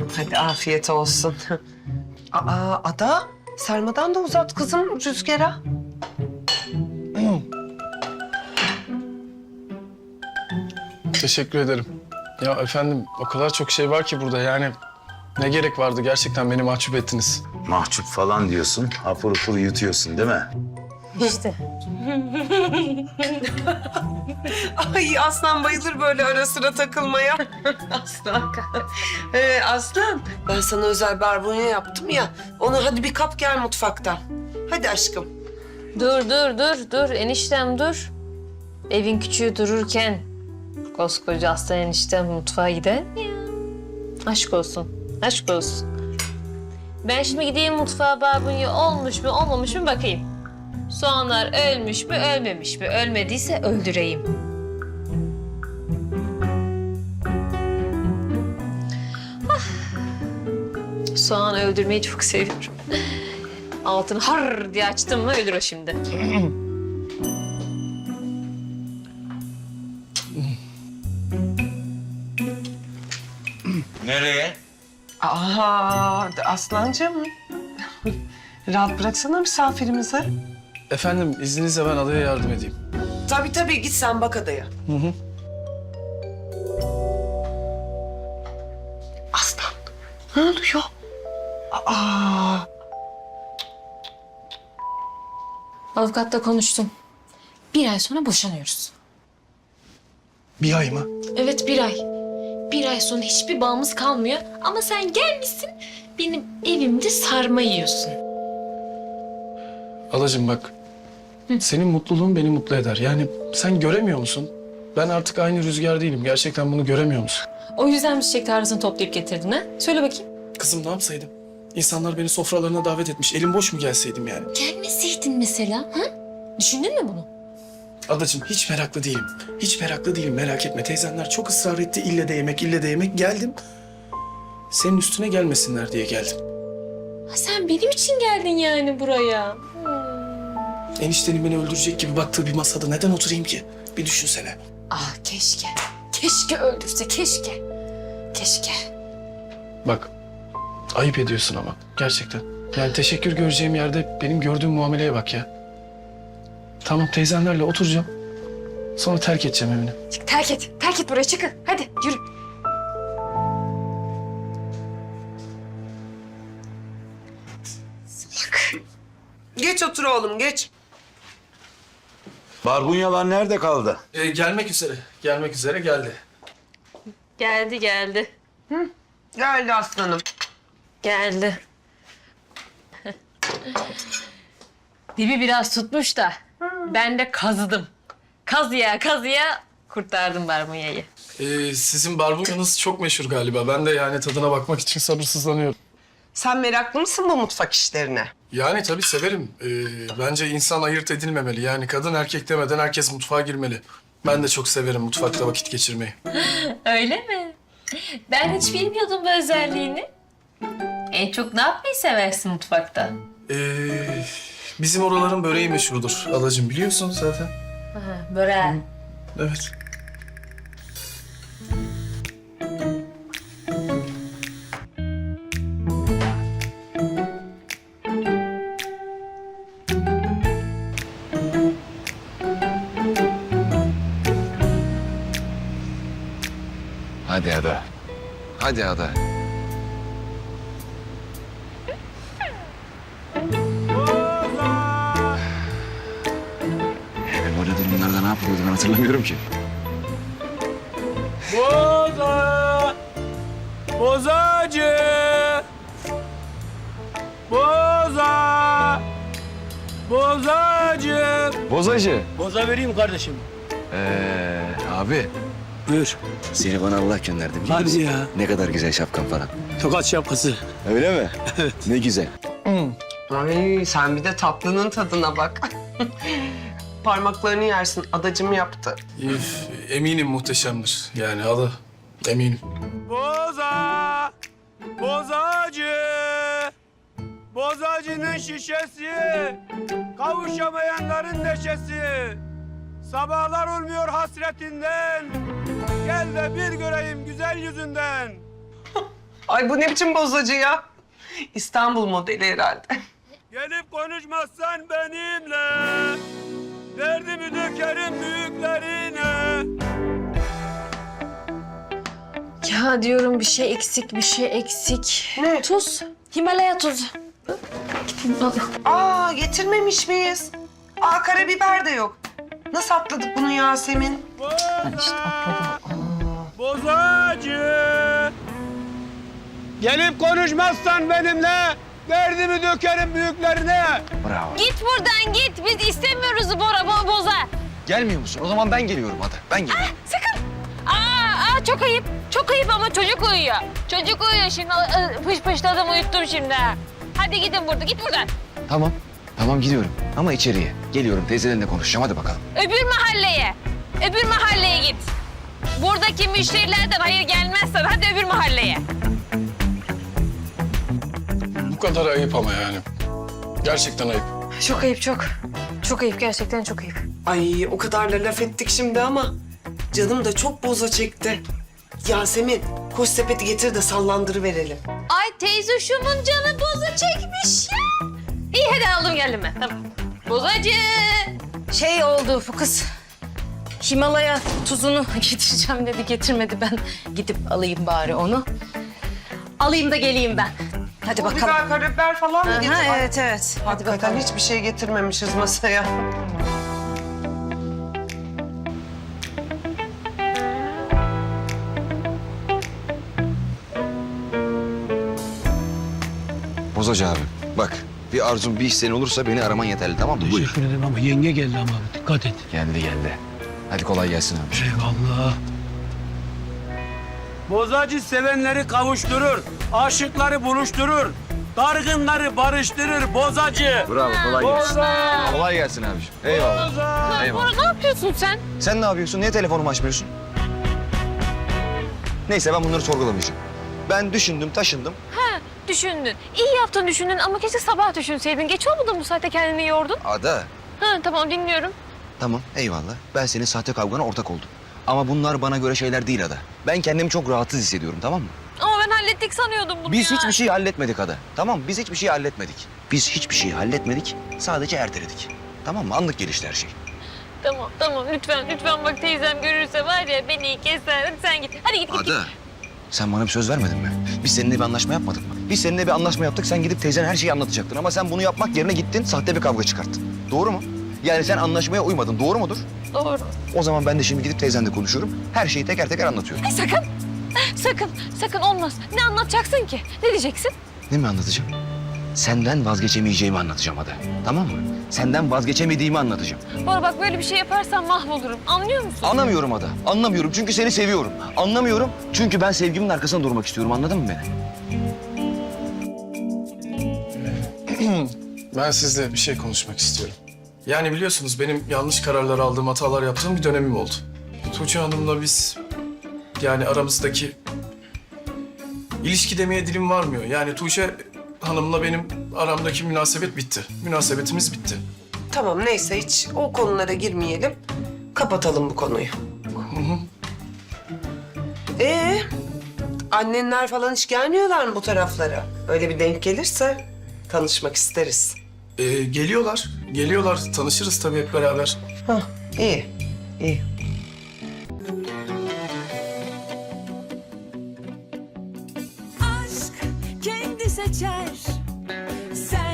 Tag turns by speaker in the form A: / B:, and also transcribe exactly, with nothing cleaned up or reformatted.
A: Hadi afiyet olsun. Aa Ada, sarmadan da uzat kızım Rüzgar'a.
B: Teşekkür ederim. Ya efendim o kadar çok şey var ki burada yani ne gerek vardı gerçekten beni mahcup ettiniz.
C: Mahcup falan diyorsun, hapur hapur yutuyorsun değil mi?
D: İşte.
A: Ay Aslan bayılır böyle ara sıra takılmaya. Aslan. Ee, Aslan, ben sana özel barbunya yaptım ya. Onu hadi bir kap gel mutfaktan. Hadi aşkım.
D: Dur dur dur dur eniştem dur. Evin küçüğü dururken koskoca aslan eniştem mutfağa gider mi ya? Aşk olsun, aşk olsun. Ben şimdi gideyim mutfağa barbunya olmuş mu olmamış mı bakayım. Soğanlar ölmüş mü ölmemiş mi? Ölmediyse öldüreyim. Ah. Soğan öldürmeyi çok seviyorum. Altını har diye açtım mı ölür o şimdi.
C: Nereye?
A: Aa Aslancığım. Rahat bıraksana misafirimizi.
B: Efendim izninizle ben adaya yardım edeyim.
A: Tabii tabii git sen bak adaya.
B: Hı hı.
A: Aslan, ne oluyor? Aa.
D: Avukatla konuştum. Bir ay sonra boşanıyoruz.
B: Bir ay mı?
D: Evet bir ay. Bir ay sonra hiçbir bağımız kalmıyor. Ama sen gelmişsin benim evimde sarma yiyorsun.
B: Alacığım bak. Senin mutluluğun beni mutlu eder. Yani sen göremiyor musun? Ben artık aynı Rüzgar değilim. Gerçekten bunu göremiyor musun?
D: O yüzden mi çiçek tarlasını toplayıp getirdin ha? Söyle bakayım.
B: Kızım ne yapsaydım? İnsanlar beni sofralarına davet etmiş. Elim boş mu gelseydim yani?
D: Gelmeseydin mesela ha? Düşündün mü bunu?
B: Adacığım hiç meraklı değilim. Hiç meraklı değilim merak etme. Teyzenler çok ısrar etti. İlle de yemek, ille de yemek. Geldim. Senin üstüne gelmesinler diye geldim.
D: Ha, sen benim için geldin yani buraya.
B: Eniştenin beni öldürecek gibi baktığı bir masada neden oturayım ki? Bir düşünsene.
D: Ah keşke. Keşke öldürse keşke. Keşke.
B: Bak, ayıp ediyorsun ama gerçekten. Yani teşekkür göreceğim yerde benim gördüğüm muameleye bak ya. Tamam teyzenlerle oturacağım. Sonra terk edeceğim evini.
D: Çık, terk et. Terk et buraya çıkın. Hadi yürü. Salak.
A: Geç otur oğlum geç.
C: Barbunyalar nerede kaldı?
B: Ee, gelmek üzere. Gelmek üzere geldi.
D: Geldi geldi.
A: Geldi aslanım.
D: Geldi. Dibi biraz tutmuş da ben de kazıdım. Kazıya kazıya kurtardım barbunyayı.
B: Ee, sizin barbunyanız çok meşhur galiba. Ben de yani tadına bakmak için sabırsızlanıyorum.
A: Sen meraklı mısın bu mutfak işlerine?
B: Yani tabii severim. Ee, bence insan ayırt edilmemeli. Yani kadın erkek demeden herkes mutfağa girmeli. Ben de çok severim mutfakta vakit geçirmeyi.
D: Öyle mi? Ben hiç bilmiyordum bu özelliğini. En çok ne yapmayı seversin mutfakta?
B: Ee, bizim oraların böreği meşhurdur. Alacığım biliyorsun zaten.
D: Aha, böreği.
B: Evet.
C: Hadi Ada. Hadi Ada. Ben böyle durumlarda ne yapıyordum ben hatırlamıyorum ki.
E: Boza! Bozacı! Boza! Bozacı!
C: Bozacı.
E: Boza vereyim kardeşim.
C: Ee, abi
E: Buyur.
C: seni bana Allah gönderdi biliyor
E: Hadi
C: musun?
E: ya.
C: Ne kadar güzel şapkan falan.
E: Tokat şapkası.
C: Öyle mi? Evet. Ne güzel.
A: Ay sen bir de tatlının tadına bak. Parmaklarını yersin. Adacım yaptı.
B: Üf, eminim muhteşemdir. Yani adı eminim.
E: Boza! Bozacı! Bozacının şişesi! Kavuşamayanların neşesi! Sabahlar olmuyor hasretinden! Gel de bir göreyim güzel yüzünden!
A: Ay bu ne biçim bozacı ya? İstanbul modeli herhalde.
E: Gelip konuşmazsan benimle. Derdimi dökerim büyüklerine.
D: Ya diyorum bir şey eksik, bir şey eksik.
A: Ne?
D: Tuz. Himalaya tuzu. Gidin al.
A: Aa getirmemiş miyiz? Aa karabiber de yok. Nasıl atladık bunu Yasemin?
D: Ben işte atladım.
E: Bozacı. Gelip konuşmazsan benimle. Derdimi dökerim büyüklerine.
C: Bravo.
D: Git buradan git. Biz istemiyoruz Bora bo boza.
F: Gelmiyor musun? O zaman ben geliyorum hadi. Ben geliyorum.
D: Sakın. Aa, aa çok ayıp. Çok ayıp ama çocuk uyuyor. Çocuk uyuyor şimdi. Aa, Pış pışladım uyuttum şimdi. ha. Hadi gidin burada. Git buradan.
F: Tamam. Tamam gidiyorum. Ama içeriye. Geliyorum teyzelerinle konuşacağım. Hadi bakalım.
D: Öbür mahalleye. Öbür mahalleye git. Buradaki müşterilerden hayır gelmezsen hadi öbür mahalleye.
B: Bu kadar ayıp ama yani. Gerçekten ayıp.
D: Çok ayıp çok. Çok ayıp gerçekten çok ayıp.
A: Ay o kadar da laf ettik şimdi ama canım da çok boza çekti. Yasemin koş sepeti getir de sallandırıverelim.
D: Ay teyze şumun canı boza çekmiş ya. İyi hadi aldım geldim ben tamam. Bozacı. Şey oldu bu kız. Himalaya tuzunu getireceğim dedi getirmedi ben. Gidip alayım bari onu. Alayım da geleyim ben. Hadi
A: O
D: bakalım.
A: biber, karabiber falan mı
D: Aha,
A: getir? Ay,
D: evet evet. Hadi
A: hakikaten
D: bakalım.
A: hiçbir şey getirmemişiz masaya.
F: Bozacı abi. Bak bir arzun bir isteğin olursa beni araman yeterli tamam mı? Buyur.
G: Teşekkür ederim ama yenge geldi ama abi. Dikkat et.
F: Geldi geldi. Hadi kolay gelsin abi.
G: Eyvallah.
E: Bozacı sevenleri kavuşturur. Aşıkları buluşturur. Dargınları barıştırır bozacı.
F: Bravo kolay gelsin.
E: Boza.
F: Kolay gelsin abiciğim. Eyvallah.
E: Boza.
F: Eyvallah.
D: Bora ne yapıyorsun sen?
F: Sen ne yapıyorsun? Niye telefonumu açmıyorsun? Neyse ben bunları sorgulamayacağım. Ben düşündüm, taşındım.
D: Ha düşündün. İyi yaptın düşündün ama keşke sabah düşünseydin. Geç olmadı mı bu saatte kendini yordun?
F: Ada.
D: Ha tamam dinliyorum.
F: Tamam eyvallah. Ben senin sahte kavgana ortak oldum. Ama bunlar bana göre şeyler değil Ada. Ben kendimi çok rahatsız hissediyorum tamam mı?
D: Ama ben hallettik sanıyordum bunu
F: Biz
D: ya.
F: hiçbir şey halletmedik Ada. Tamam biz hiçbir şey halletmedik. Biz hiçbir şey halletmedik. Sadece erteledik. Tamam mı? Anlık gelişti her şey.
D: Tamam tamam lütfen lütfen bak teyzem görürse var ya beni keser. Hadi sen git. Hadi git git. git.
F: Ada. Sen bana bir söz vermedin mi? Biz seninle bir anlaşma yapmadık mı? Biz seninle bir anlaşma yaptık. Sen gidip teyzene her şeyi anlatacaktın. Ama sen bunu yapmak yerine gittin. Sahte bir kavga çıkarttın. Doğru mu? Yani sen anlaşmaya uymadın. Doğru mudur?
D: Doğru.
F: O zaman ben de şimdi gidip teyzenle konuşuyorum. Her şeyi teker teker anlatıyorum.
D: Ay sakın. Sakın. Sakın olmaz. Ne anlatacaksın ki? Ne diyeceksin?
F: Ne mi anlatacağım? Senden vazgeçemeyeceğimi anlatacağım Ada. Tamam mı? Senden vazgeçemediğimi anlatacağım.
D: Bora bak böyle bir şey yaparsan mahvolurum. Anlıyor musun?
F: Anlamıyorum Ada. Anlamıyorum çünkü seni seviyorum. Anlamıyorum çünkü ben sevgimin arkasında durmak istiyorum. Anladın mı beni?
B: Ben sizle bir şey konuşmak istiyorum. Yani biliyorsunuz benim yanlış kararlar aldığım, hatalar yaptığım bir dönemim oldu. Tuğçe Hanım'la biz yani aramızdaki ilişki demeye dilim varmıyor. Yani Tuğçe Hanım'la benim aramdaki münasebet bitti. Münasebetimiz bitti.
A: Tamam neyse hiç o konulara girmeyelim. Kapatalım bu konuyu. Ee, annenler falan hiç gelmiyorlar mı bu taraflara? Öyle bir denk gelirse tanışmak isteriz.
B: Ee, geliyorlar, geliyorlar. Tanışırız tabii hep beraber.
A: Hah, iyi, iyi.
H: aşk kendi seçer. Sen